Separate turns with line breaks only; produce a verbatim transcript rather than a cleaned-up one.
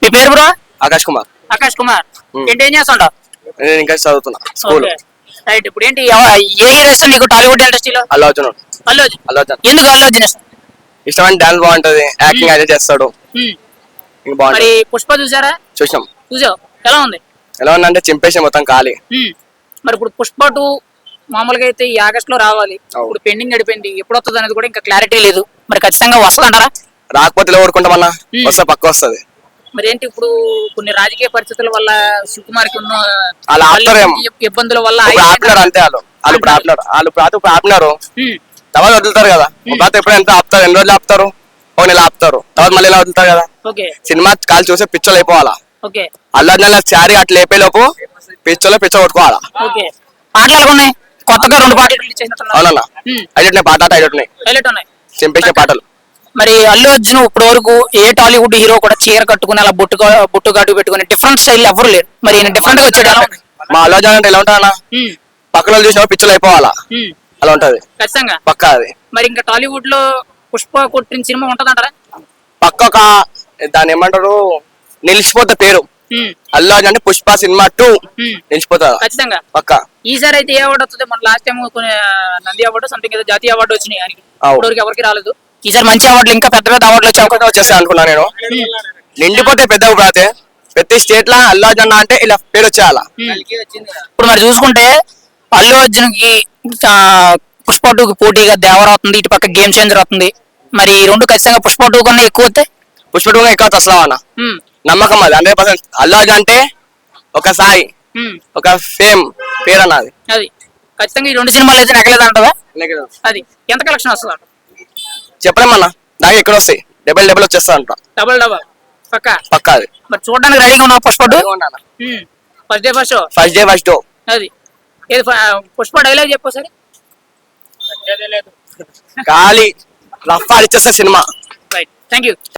మీ పేరు బ్రో?
ఆకాష్ కుమార్.
ఆకాష్ కుమార్. ఏంటి ఏం చేస్తుంటావు?
నేను ఇంకా చదువుతున్నా స్కూల్.
రైట్. ఇప్పుడు ఏంటి ఎవ- ఏ హీరో ఇష్టం నీకు టాలీవుడ్ ఇండస్ట్రీలో?
అల్లు అర్జున్.
అల్లు అర్జున్.
అల్లు అర్జున్
ఎందుకు అల్లు అర్జున్ ఇష్టం?
ఇష్టమైన డాన్స్ బాగుంటది, యాక్టింగ్ అయితే చేస్తాడు.
హ్మ్.
ఇంకా బాగుంటది.
మరి పుష్ప చూసారా?
చూసాం.
చూసావు, ఎలా ఉంది?
ఎలా ఉందంటే చింపేసి మొత్తం ఖాళీ.
హ్మ్. మరి ఇప్పుడు పుష్ప టూ మామూలుగా అయితే ఈ ఆగస్ట్ లో రావాలి,
అవును.
ఇప్పుడు పెండింగ్ గడిపోయింది, ఎప్పుడు వస్తుంది అనేది కూడా ఇంకా క్లారిటీ లేదు. మరి ఖచ్చితంగా వస్తుందంటారా?
రాకపోతే ఇలా ఊరుకుంటామన్నా,
హ్మ్.
వస్తే పక్క వస్తుంది.
మరి ఏంటి ఇప్పుడు కొన్ని రాజకీయ పరిస్థితుల వల్ల సుకుమార్ కి ఉన్న
అలా ఆపుతారేమో.
ఇబ్బందుల వల్ల
ఇప్పుడు
ఆయన-
ఆపినారు అంతే. వాళ్ళు వాళ్ళు ఇప్పుడు ఆపినారు వాళ్ళు ఇప్పుడు ఇప్పుడు ఆపినారు.
హ్మ్.
తర్వాత వదులుతారు కదా. తర్వాత ఎప్పుడు ఎంత ఆపుతారు, ఎన్ని రోజులు ఆపుతారు, ఒక నెల ఆపుతారు, తర్వాత మళ్ళీ ఇలా వదులుతారు కదా.
ఓకే
సినిమా కాలు చూసే పిచ్చోలు అయిపోవాలా.
ఓకే
అల్లు అర్జున్ చారి అట్లా లేపే లోపు పిచ్చోలో పిచ్చ కొట్టుకోవాలా.
ఓకే. పాటలు ఎలా ఉన్నాయి? కొత్తగా రెండు పాటలు రిలీజ్ చేసినట్టున్నారు.
అవునన్నా. హైలైట్ పాట హైలైట్ ఉన్నాయి,
హైలైట్ ఉన్నాయి.
చింపేసే పాటలు.
మరి అల్లు అర్జున్ ఇప్పటి వరకు ఏ టాలీవుడ్ హీరో కూడా చీర కట్టుకుని అలా బొట్టు బొట్టు గాటు పెట్టుకుని డిఫరెంట్ స్టైల్ ఎవరు లేరు. మరి ఈయన డిఫరెంట్ గా వచ్చాడు, ఎలా ఉంది?
మా అల్లు అర్జున్ అంటే ఎలా ఉంటాడన్నా,
హ్మ్.
పక్కన వాళ్ళు చూసినా పిచ్చోలు అయిపోవాలా.
హ్మ్.
అలా ఉంటది
ఖచ్చితంగా.
పక్కా. అది
మరి ఇంకా టాలీవుడ్ లో పుష్ప కొట్టిన సినిమా ఉంటదంటారా?
పక్క ఒక దాన్ని ఏమంటారు, నిలిచిపోతా పేరు.
హ్మ్.
అల్లు అర్జున్ అంటే పుష్ప సినిమా టూ
హ్మ్.
నిలిచిపోతా
ఖచ్చితంగా.
పక్క.
ఈసారి అయితే ఏ అవార్డు వస్తుంది? మన లాస్ట్ టైం కొన్ని నంది అవార్డు సంథింగ్ ఏదో జాతీయ అవార్డు వచ్చినాయి ఆయనకి,
అవు.
ఇప్పటివరకు ఎవరికి రాలేదు. ఈసారి మంచి అవార్డులు, ఇంకా పెద్ద పెద్ద అవార్డులు వచ్చే అవకాశం
వచ్చేస్తా అనుకున్నా నేను. నిండిపోతే పెద్ద ఊపిరాతే ప్రతి స్టేట్ లా అల్లు అర్జున్ అంటే ఇలా పేరు వచ్చేయాలా.
ఇప్పుడు మరి చూసుకుంటే అల్లు అర్జున్ కి పుష్ప టూ కి పోటీగా దేవర అవుతుంది, ఇటు పక్క గేమ్ చేంజర్ అవుతుంది. మరి ఈ రెండు ఖచ్చితంగా పుష్ప టూ కన్నా ఎక్కువ వస్తే
పుష్ప టూ ఎక్కువ అసలు అన్న
హ్మ్.
నమ్మకం. అది హండ్రెడ్ పర్సెంట్. అల్లు అర్జున్ అంటే ఒక సాయి,
హ్మ్.
ఒక ఫేమ్ పేరు అన్నది.
అది ఖచ్చితంగా ఈ రెండు సినిమాలు అయితే నగలేదు అంటదా? అది ఎంత కలెక్షన్ వస్తుంది?
చెప్పలేమన్నా, దాకా ఎక్కడ వస్తాయి, డబల్ డబల్ వచ్చేస్తా అంట
డబల్ డబల్ పక్క
పక్క. అది
మరి చూడడానికి రెడీగా ఉన్నావు Pushpa two? First day first show.
First day first డో.
అది ఏది ఫ- పుష్ప డైలాగ్ చెప్పు సరే.
ఖాళీ రఫ్ ఆడిచ్చేస్తా సినిమా.
Right, thank you.